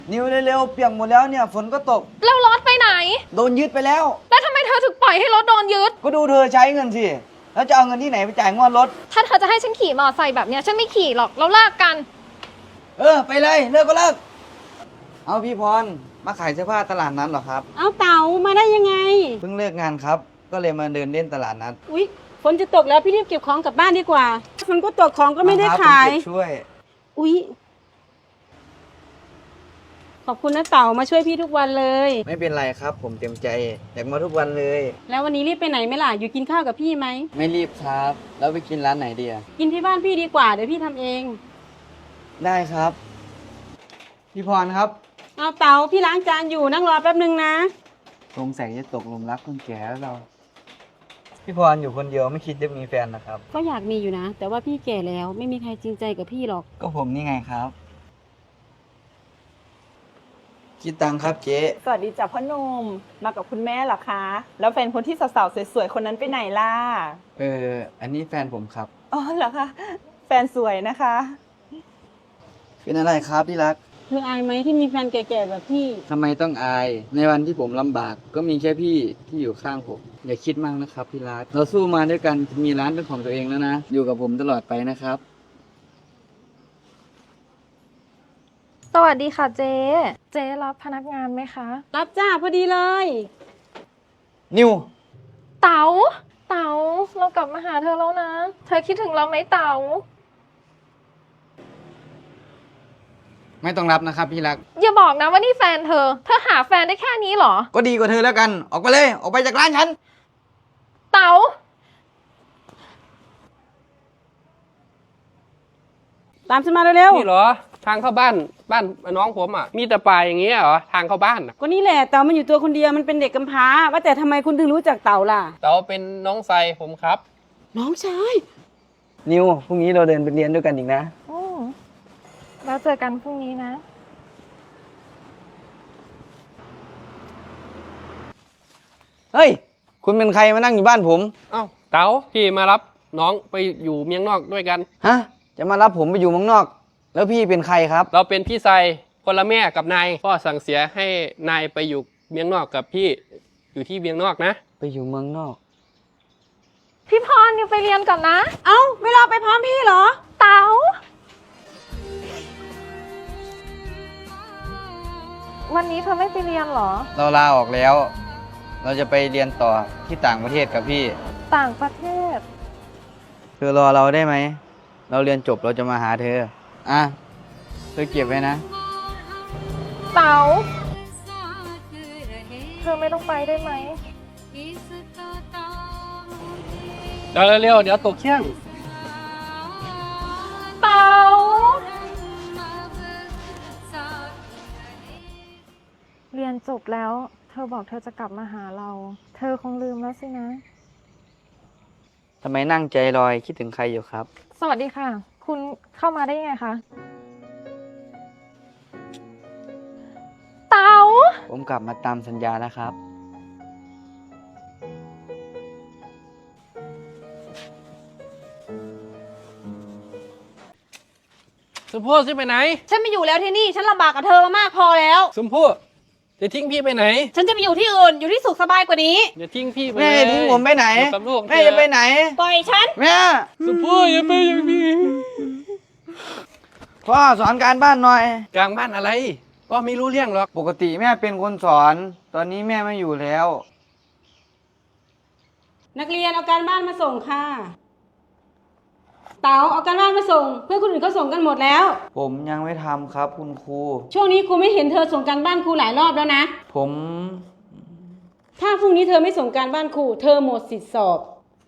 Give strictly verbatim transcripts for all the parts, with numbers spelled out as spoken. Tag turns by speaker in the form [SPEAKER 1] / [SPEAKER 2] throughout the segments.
[SPEAKER 1] นิวเร็วๆเปียกหมดแล้วเนี่ยฝนก็ตก
[SPEAKER 2] แล้วรถไปไหน
[SPEAKER 1] โดนยึดไปแล้ว
[SPEAKER 2] แล้วทำไมเธอถึงปล่อยให้รถโดนยึด
[SPEAKER 1] ก็ดูเธอใช้เงินสิแล้วจะเอาเงินที่ไหนไปจ่ายงวดรถ
[SPEAKER 2] ถ้าเธอจะให้ฉันขี่มอเตอร์ไซค์แบบเนี้ยฉันไม่ขี่หรอกเราเลิกกัน
[SPEAKER 1] เออไปเลยเลิกก็เลิกเอาพี่พรมาขายเสื้อผ้าตลาดนัดเหรอครับ
[SPEAKER 3] เอาเต๋ามาได้ยังไง
[SPEAKER 1] เพิ่งเลิกงานครับก็เลยมาเดินเล่นตลาดนัด
[SPEAKER 3] อุ๊ยฝนจะตกแล้วพี่รีบเก็บของกลับบ้านดีกว่าฝนก็ตกของก็ไม่ได้ขาย
[SPEAKER 1] ช่วย
[SPEAKER 3] อุ๊ยขอบคุณนะเต๋ามาช่วยพี่ทุกวันเลย
[SPEAKER 1] ไม่เป็นไรครับผมเต็มใจอยากมาทุกวันเลย
[SPEAKER 3] แล้ววันนี้รีบไปไหนไหมล่ะอยู่กินข้าวกับพี่ไหม
[SPEAKER 1] ไม่รีบครับแล้วไปกินร้านไหนดีอะ
[SPEAKER 3] กินที่บ้านพี่ดีกว่าเดี๋ยวพี่ทำเอง
[SPEAKER 1] ได้ครับพี่พรครับ
[SPEAKER 3] เอาเต๋าพี่ล้างจานอยู่นั่งรอแป๊บนึงนะ
[SPEAKER 1] สงสัยจะตกหลุมรักคนแก่แล้วเราพี่พรอยู่คนเดียวไม่คิดจะมีแฟนนะครับ
[SPEAKER 3] ก็อยากมีอยู่นะแต่ว่าพี่แก่แล้วไม่มีใครจริงใจกับพี่หรอก
[SPEAKER 1] ก็ผมนี่ไงครับคิดตังครับเจ๊
[SPEAKER 4] สวัสดีจ้ะพ่อหนุ่มมากับคุณแม่เหรอคะแล้วแฟนคนที่สาวๆสวยๆคนนั้นไปไหนล่ะ
[SPEAKER 1] เอออันนี้แฟนผมครับ
[SPEAKER 4] อ๋อเหรอคะแฟนสวยนะคะ
[SPEAKER 1] เป็นอะไรครับที่รัก
[SPEAKER 3] เธออายไหมที่มีแฟนแก่ๆแบบพี่
[SPEAKER 1] ทำไมต้องอายในวันที่ผมลำบากก็มีแค่พี่ที่อยู่ข้างผมอย่าคิดมากนะครับพี่รักเราสู้มาด้วยกันมีร้านเป็นของตัวเองแล้วนะอยู่กับผมตลอดไปนะครับ
[SPEAKER 2] สวัสดีค่ะเจ๊เจ๊รับพนักงานไหมคะ
[SPEAKER 3] รับจ้าพอดีเลย
[SPEAKER 1] นิว
[SPEAKER 2] เต๋าเต๋าเรากลับมาหาเธอแล้วนะเธอคิดถึงเราไหมเต๋า
[SPEAKER 1] ไม่ต้องรับนะครับพี่รัก
[SPEAKER 2] อย่าบอกนะว่านี่แฟนเธอเธอหาแฟนได้แค่นี้เหรอ
[SPEAKER 1] ก็ดีกว่าเธอแล้วกันออกไปเลยออกไปจากร้านฉัน
[SPEAKER 2] เต๋า
[SPEAKER 3] ตามฉันมาเร็ว
[SPEAKER 5] ๆนี่เหรอทางเข้าบ้านบ้านน้องผมอ่ะมีแต่ป่าอย่างเงี้ยเหรอทางเข้าบ้าน
[SPEAKER 3] ก็นี่แหละเต่ามันอยู่ตัวคนเดียวมันเป็นเด็กกำพร้าว่าแต่ทำไมคุณถึงรู้จักเต่าล่ะ
[SPEAKER 5] เต่าเป็นน้องไซผมครับ
[SPEAKER 3] น้องชาย
[SPEAKER 1] นิวพรุ่งนี้เราเดินไปเรียนด้วยกันอีกนะ
[SPEAKER 2] อืมแล้วเจอกันพรุ่งนี้นะ
[SPEAKER 1] เฮ้ยคุณเป็นใครมานั่งอยู่บ้านผม
[SPEAKER 5] เอ้าเต่าพี่มารับน้องไปอยู่เมียงนอกด้วยกัน
[SPEAKER 1] ฮะจะมารับผมไปอยู่เมืองนอกแล้วพี่เป็นใครครับ
[SPEAKER 5] เราเป็นพี่ไซคนละแม่กับนายพ่อสั่งเสียให้นายไปอยู่เมียงนอกกับพี่อยู่ที่เมียงนอกนะ
[SPEAKER 1] ไปอยู่เมืองนอก
[SPEAKER 2] พี่พรนิวไปเรียนก่อนนะ
[SPEAKER 3] เอ้าไม่รอไปพร้อมพี่เหรอ
[SPEAKER 2] เต๋าวันนี้เธอไม่ไปเรียนเหรอ
[SPEAKER 1] เราลาออกแล้วเราจะไปเรียนต่อที่ต่างประเทศกับพี่
[SPEAKER 2] ต่างประเทศ
[SPEAKER 1] เธอรอเราได้ไหมเราเรียนจบเราจะมาหาเธออ่ะเธอเก็บไว้นะ
[SPEAKER 2] เต๋าเธอไม่ต้องไปได้ไหม
[SPEAKER 5] เดี๋ยวเร็วๆเดี๋ยวตกเที่ยง
[SPEAKER 2] เต๋าเรียนจบแล้วเธอบอกเธอจะกลับมาหาเราเธอคงลืมแล้วสินะ
[SPEAKER 1] ทำไมนั่งใจลอยคิดถึงใครอยู่ครับ
[SPEAKER 2] สวัสดีค่ะคุณเข้ามาได้ยังไงคะเต๋า
[SPEAKER 1] ผมกลับมาตามสัญญาแล้วครับ
[SPEAKER 5] สมพู่จะไปไหน
[SPEAKER 3] ฉันไม่อยู่แล้วที่นี่ฉันลำบากกับเธอมามากพอแล้ว
[SPEAKER 5] สมพู่จะทิ้งพี่ไปไหน
[SPEAKER 3] ฉันจะไปอยู่ที่อื่นอยู่ที่สุขสบายกว่านี้
[SPEAKER 5] อย่าทิ้งพี่ไป
[SPEAKER 1] แม่ทิ้งผมไปไหน
[SPEAKER 5] กับลูก
[SPEAKER 1] แม่จะไปไหน
[SPEAKER 3] ปล่อยฉัน
[SPEAKER 1] แม่
[SPEAKER 5] สมพู่อย่าไปอย่างนี้
[SPEAKER 1] พ่อสอนการบ้านหน่อย
[SPEAKER 5] การบ้านอะไรพ่อไม่รู้เรื่องหรอก
[SPEAKER 1] ปกติแม่เป็นคนสอน ตอนนี้แม่ไม่อยู่แล้ว
[SPEAKER 3] นักเรียนเอาการบ้านมาส่งค่ะเต๋าเอาการบ้านมาส่งเพื่อนคนอื่นเขาส่งกันหมดแล้ว
[SPEAKER 1] ผมยังไม่ทำครับคุณครู
[SPEAKER 3] ช่วงนี้ครูไม่เห็นเธอส่งการบ้านครูหลายรอบแล้วนะ
[SPEAKER 1] ผม
[SPEAKER 3] ถ้าพรุ่งนี้เธอไม่ส่งการบ้านครูเธอหมดสิทธิสอบ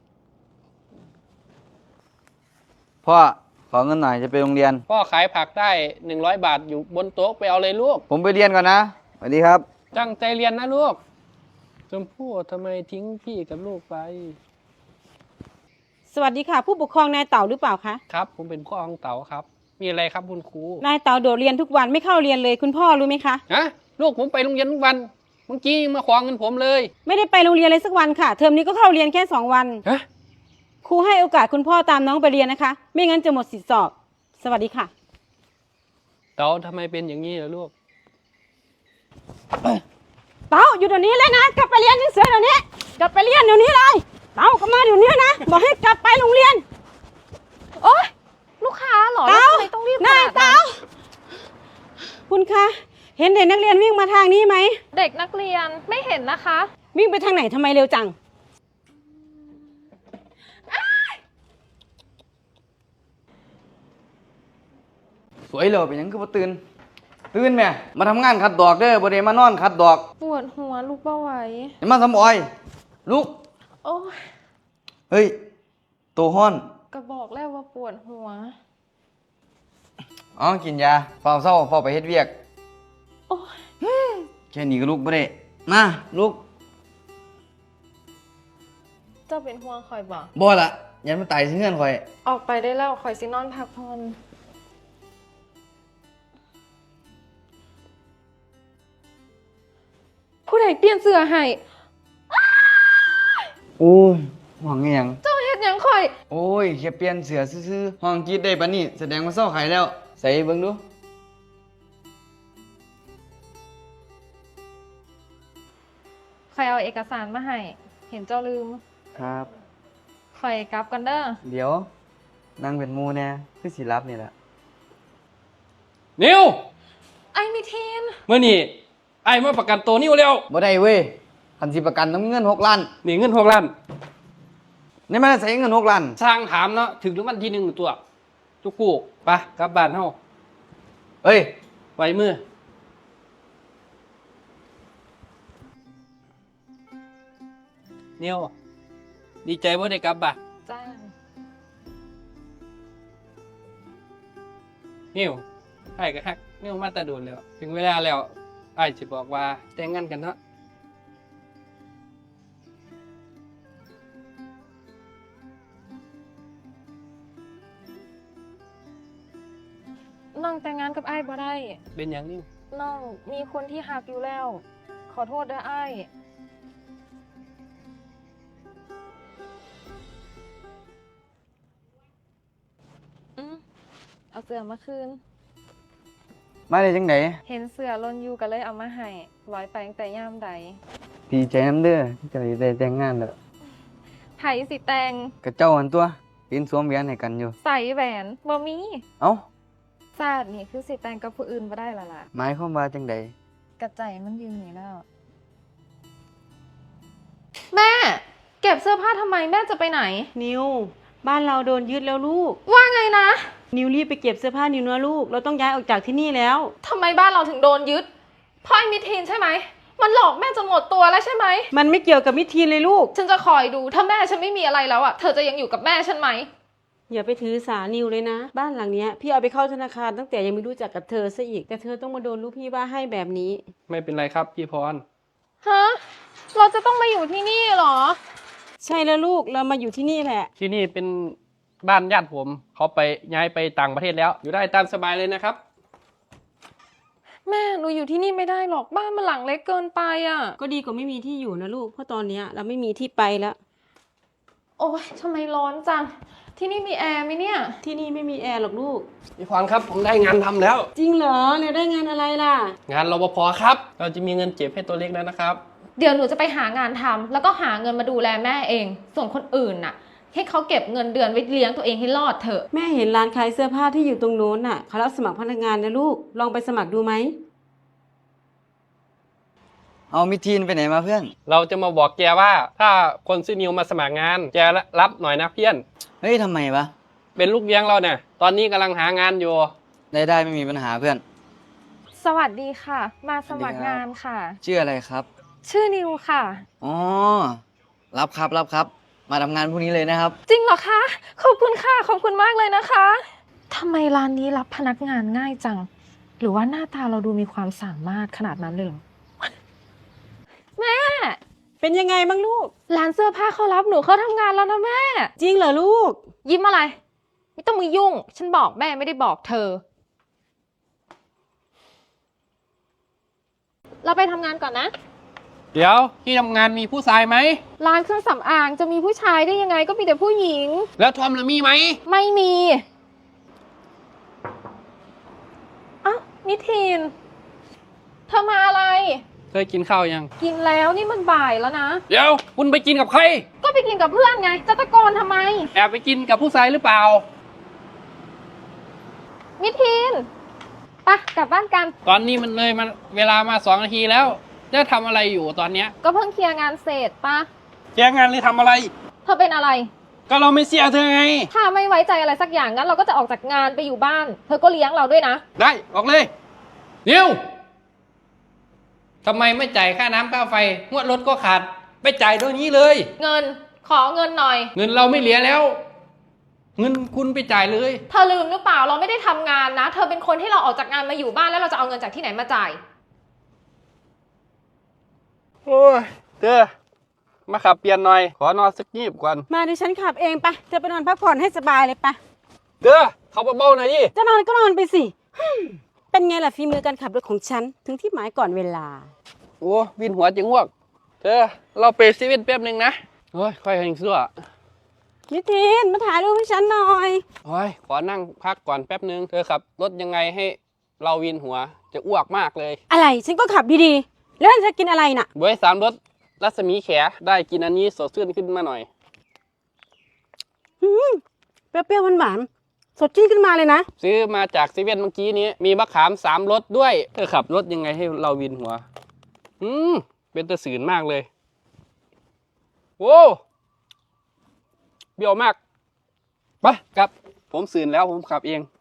[SPEAKER 1] พ่อขอเงินหน่อยจะไปโรงเรียน
[SPEAKER 5] พ่อขายผักได้หนึ่งร้อยบาทอยู่บนโต๊ะไปเอาเลยลูก
[SPEAKER 1] ผมไปเรียนก่อนนะสวัสดีครับ
[SPEAKER 5] ตั้งใจเรียนนะลูกชมพู่ทำไมทิ้งพี่กับลูกไป
[SPEAKER 3] สวัสดีค่ะผู้ปกครองนายเต๋าหรือเปล่าคะ
[SPEAKER 5] ครับผมเป็นพ่อของเต๋าครับมีอะไรครับคุณครู
[SPEAKER 3] นายเต๋าโดดเรียนทุกวันไม่เข้าเรียนเลยคุณพ่อรู้ไหมคะ
[SPEAKER 5] ฮะลูกผมไปโรงเรียนทุกวันเมื่อกี้มาขอเงินผมเลย
[SPEAKER 3] ไม่ได้ไปโรงเรียนเลยสักวันค่ะเทอมนี้ก็เข้าเรียนแค่สองวัน
[SPEAKER 5] ฮะ
[SPEAKER 3] ครูให้โอกาสคุณพ่อตามน้องไปเรียนนะคะไม่งั้นจะหมดสิทธิสอบสวัสดีค่ะ
[SPEAKER 5] เต๋าทำไมเป็นอย่างนี้ล่ะลูก
[SPEAKER 3] เต้าอยู่เดี๋ยวนี้เลยนะกลับไปเรียนหนังสือเดี๋ยวนี้กลับไปเรียนเดี๋ยวนี้เลยเต้ากลับมาเดี๋ยวนี้นะบอกให้กลับไปโรงเรียน
[SPEAKER 2] โอ๊ยลูกค้าเหรอ
[SPEAKER 3] เต้า
[SPEAKER 2] แล้วทำไมต้องรีบข
[SPEAKER 3] นาย
[SPEAKER 2] นาดนั้น
[SPEAKER 3] เต้าคุณคะเห็นเด็กนักเรียนวิ่งมาทางนี้ไหม
[SPEAKER 2] เด็กนักเรียนไม่เห็นนะคะ
[SPEAKER 3] วิ่งไปทางไหนทำไมเร็วจัง
[SPEAKER 1] สวยเลยเป็นหยังคือบ่ตื่นตื่นแม่มาทำงานขัดดอกเด้อบ่ได้มานอนขัดดอก
[SPEAKER 2] ปวดหัวลูกเบ้าไหว
[SPEAKER 1] อย่ามาสำออยลุก
[SPEAKER 2] โอ้ย
[SPEAKER 1] เฮ้ยโตฮ้อน
[SPEAKER 2] ก็บอกแล้วว่าปวดหัว
[SPEAKER 1] อ๋อกินยาเฝ้าเศร้าเฝ้าไปเฮ็ดเวียก
[SPEAKER 2] โอ้ย
[SPEAKER 1] แค่นี้ก็ลุกบ่ได้มาลุก
[SPEAKER 2] เจ้าเป็นห่วงคอยบอก
[SPEAKER 1] บ่ละยันมันตายสิเงื่อนข่อย
[SPEAKER 2] ออกไปได้แล้วคอยสินอนพักผ่อนผู้ใดเปลี่ยนเสื้อให้
[SPEAKER 1] โอ้ยห่วงอีหยัง
[SPEAKER 2] เจ้าเฮ็ดหยังคอย
[SPEAKER 1] โอ้ยแค่เปลี่ยนเสือซื่อๆห้องกรีดได้ปะนี่แสดงว่าเศร้าไข่แล้ว ใส่เบิ่งดู
[SPEAKER 2] คอยเอาเอกสารมาให้ เห็นเจ้าลืม
[SPEAKER 1] ครับ
[SPEAKER 2] คอยกลับกันเด้อ
[SPEAKER 1] เดี๋ยวนั่งเป็นหมูแน่คือสิรับนี่แหละ
[SPEAKER 5] นิว
[SPEAKER 2] ไอ้มิทีน
[SPEAKER 5] เมื่อนี่ไอ้มาประกันตัวนิวแล้ว
[SPEAKER 1] บ่ได้เว้ยคันสิประกันต้องมีเงินหกล้าน
[SPEAKER 5] นี่เงินหกล้าน
[SPEAKER 1] นี่มันใส่เงินหกล้าน
[SPEAKER 5] สร้างถามเนาะถึงรางวัลที่หนึ่งตัวจุกกูไปกลับบ้านเฮา
[SPEAKER 1] เอ้ย
[SPEAKER 5] ไว้มือนิวดีใจว่าได้กลับบ้าน
[SPEAKER 2] จ้า
[SPEAKER 5] นิวไอ้ก็ฮักนิวมาแตะโดนแล้ว ถึงเวลาแล้วไอ้จะบอกว่าแต่งงานกันเนาะ
[SPEAKER 2] น้องแต่งงานกับไอ้บ่ได้
[SPEAKER 5] เป็นอย่างนิว
[SPEAKER 2] น้องมีคนที่หักอยู่แล้ว ขอโทษด้วยไอ้อืมเอาเสื้อมาคืน
[SPEAKER 1] มาได้จังได
[SPEAKER 2] เห็นเสื้อลนอยู่ก็เลยเอามาให้ร้อยไปตั้งแต่ย่ามใด
[SPEAKER 1] ดีใจน้ำเด้อที่จะได้แต่งงานแล้ว
[SPEAKER 2] ไผสิแตง
[SPEAKER 1] กับเจ้าอันตัวปีนสวมแหวนให้กันอยู่
[SPEAKER 2] ใส่แหวนบ่มี
[SPEAKER 1] เอ้า
[SPEAKER 2] ซาดนี่คือสิแตงกับผู้อื่นบ่ได้ละล่ะ
[SPEAKER 1] หมายความว่าจังได
[SPEAKER 2] กระใจมันยืนนี่แล้ว แม่ เก็บเสื้อผ้าทำไมแม่จะไปไหน
[SPEAKER 3] นิวบ้านเราโดนยึดแล้วลูก
[SPEAKER 2] ว่าไงนะ
[SPEAKER 3] นิวรีบไปเก็บเสื้อผ้านิวนะลูกเราต้องย้ายออกจากที่นี่แล้ว
[SPEAKER 2] ทำไมบ้านเราถึงโดนยึดพ่อไอ้มิทีนใช่ไหม มันหลอกแม่จนหมดตัวแล้วใช่ไหม
[SPEAKER 3] มันไม่เกี่ยวกับมิทีนเลยลูก
[SPEAKER 2] ฉันจะคอยดูถ้าแม่ฉันไม่มีอะไรแล้วอ่ะ เธอจะยังอยู่กับแม่ฉันไหม
[SPEAKER 3] อย่าไปถือสานิวเลยนะ บ้านหลังเนี้ยพี่เอาไปเข้าธนาคารตั้งแต่ยังไม่รู้จักกับเธอซะอีกแต่เธอต้องมาโดนลูกพี่ว่าให้แบบนี้
[SPEAKER 5] ไม่เป็นไรครับพี่พร
[SPEAKER 2] ฮะ เราจะต้องมาอยู่ที่นี่เหรอ
[SPEAKER 3] ใช่แล้วลูกเรามาอยู่ที่นี่แหละ
[SPEAKER 5] ที่นี่เป็นบ้านญาติผมเขาไปย้ายไปต่างประเทศแล้ว อยู่ได้ตามสบายเลยนะครับ
[SPEAKER 2] แม่หนูอยู่ที่นี่ไม่ได้หรอกบ้านมันหลังเล็กเกินไปอ่ะ
[SPEAKER 3] ก็ดีกว่าไม่มีที่อยู่นะลูกเพราะตอนเนี้ยเราไม่มีที่ไปแล้ว
[SPEAKER 2] โอ๊ยทำไมร้อนจัง ที่นี่มีแอร์ไหมเนี่ย
[SPEAKER 3] ที่นี่ไม่มีแอร์หรอกลูก
[SPEAKER 5] พี่พรครับผมได้งานทำแล้ว
[SPEAKER 3] จริงเหรอเนี่ยได้งานอะไรล่ะ
[SPEAKER 5] งานรปภครับ เราจะมีเงินเก็บให้ตัวเล็กแล้วนะครับ
[SPEAKER 2] เดี๋ยวหนูจะไปหางานทำแล้วก็หาเงินมาดูแลแม่เอง ส่วนคนอื่นน่ะ ให้เขาเก็บเงินเดือนไว้เลี้ยงตัวเองให้รอดเถอะ
[SPEAKER 3] แม่เห็นร้านขายเสื้อผ้าที่อยู่ตรงโน้นน่ะเขารับสมัครพนักงานนะลูกลองไปสมัครดูไหม
[SPEAKER 1] เอามิทีนไปไหนมาเพื่อน
[SPEAKER 5] เราจะมาบอกแกว่าถ้าคนซื้อนิวมาสมัครงานแกรับหน่อยนะเพื่อน
[SPEAKER 1] เฮ้ยทำไมวะ
[SPEAKER 5] เป็นลูกเลี้ยงเราเนี่ย ตอนนี้กำลังหางานอยู่
[SPEAKER 1] ได้ได้ไม่มีปัญหาเพื่อน
[SPEAKER 2] สวัสดีค่ะ มาสมัครงานค่ะ
[SPEAKER 1] ชื่ออะไรครับ
[SPEAKER 2] ชื่อนิวค่ะ
[SPEAKER 1] อ๋อ รับครับรับครับ มาทำงานพรุ่งนี้เลยนะครับ
[SPEAKER 2] จริงเหรอคะ ขอบคุณค่ะ ขอบคุณมากเลยนะคะทำไมร้านนี้รับพนักงานง่ายจัง หรือว่าหน้าตาเราดูมีความสามารถขนาดนั้นเลยเหรอ แม่
[SPEAKER 3] เป็นยังไงบ้างลูก
[SPEAKER 2] ร้านเสื้อผ้าเขารับหนูเข้าทำงานแล้วนะแม่
[SPEAKER 3] จริงเหรอลูก
[SPEAKER 2] ยิ้มอะไร ไม่ต้องมือยุ่ง ฉันบอกแม่ไม่ได้บอกเธอ เราไปทำงานก่อนนะ
[SPEAKER 5] เดี๋ยวที่ทำงานมีผู้ชายไหม
[SPEAKER 2] ร้านเครื่องสำอางจะมีผู้ชายได้ยังไงก็มีแต่ผู้หญิง
[SPEAKER 5] แล้วทอมล่ะมีไหม
[SPEAKER 2] ไม่มีอ้าวนิทินเธอมาอะไร
[SPEAKER 5] เธอกินข้าวยัง
[SPEAKER 2] กินแล้วนี่มันบ่ายแล้วนะ
[SPEAKER 5] เดี๋ยวคุณไปกินกับใคร
[SPEAKER 2] ก็ไปกินกับเพื่อนไง จะตะโกนทำไม
[SPEAKER 5] แอบไปกินกับผู้ชายหรือเปล่า
[SPEAKER 2] มิทีนไปกลับบ้านกัน
[SPEAKER 5] ตอนนี้มันเลยมาเวลามาสองนาทีแล้วจะทำอะไรอยู่ตอนเนี้ย
[SPEAKER 2] ก็เพิ่งเคลียร์งานเสร็จปะ
[SPEAKER 5] แกงานเลยทำอะไร
[SPEAKER 2] เธอเป็นอะไร
[SPEAKER 5] ก็เราไม่เสียเธอไง
[SPEAKER 2] ถ้าไม่ไว้ใจอะไรสักอย่างงั้นเราก็จะออกจากงานไปอยู่บ้าน เธอก็เลี้ยงเราด้วยนะ
[SPEAKER 5] ได้ออกเลยนิวทำไมไม่จ่ายค่าน้ำค่าไฟงวดรถก็ขาดไปจ่ายตรงนี้เลย
[SPEAKER 2] เงิน ขอเงินหน่อย
[SPEAKER 5] เงินเราไม่เหลือแล้ว เงินคุณไปจ่ายเลย
[SPEAKER 2] เธอลืมหรือเปล่าเราไม่ได้ทำงานนะ เธอเป็นคนที่เราออกจากงานมาอยู่บ้านแล้วเราจะเอาเงินจากที่ไหนมาจ่าย
[SPEAKER 5] โอ้ยเธอมาขับเปลี่ยนหน่อย ขอนอนสักยีบก่อน
[SPEAKER 3] มาดิฉันขับเองไปะเธอไปนอนพักผ่อนให้สบายเลยปะ
[SPEAKER 5] เธอเขาเบาๆหน่อยดิ
[SPEAKER 3] จะนอนก็นอนไปสิฮึ่มเป็นไงล่ะฝีมือการขับรถของฉันถึงที่หมายก่อนเวลา
[SPEAKER 5] โอ้วินหัวจังอ้วกเธอเราไปซีเว่นแป๊บหนึ่งนะโอ้ยค่อยหิงซั่ว
[SPEAKER 3] มิทีนมาถ่ายรูปให้ฉันหน่อย
[SPEAKER 5] โอ้ยขอนั่งพักก่อนแป๊บหนึ่งเธอขับรถยังไงให้เราวินหัวจะอ้วกมากเลย
[SPEAKER 3] อะไรฉันก็ขับดีๆ แล้วจะกินอะไรน่ะ
[SPEAKER 5] บวยสามรถรัศมีแขได้กินอันนี้สดชื่นขึ้นมาหน่อย
[SPEAKER 3] อืมเปรี้ยวๆหวานๆสดชื่นขึ้นมาเลยนะ
[SPEAKER 5] ซื้อมาจากซีเว่นเมื่อกี้นี้ มีมะขามสามรสด้วยเธอขับรถยังไงให้เราวินหัว อืมเป็นตะสืนมากเลยโว้เบี้ยวมากไปกลับผมสื่นแล้วผมขับเอง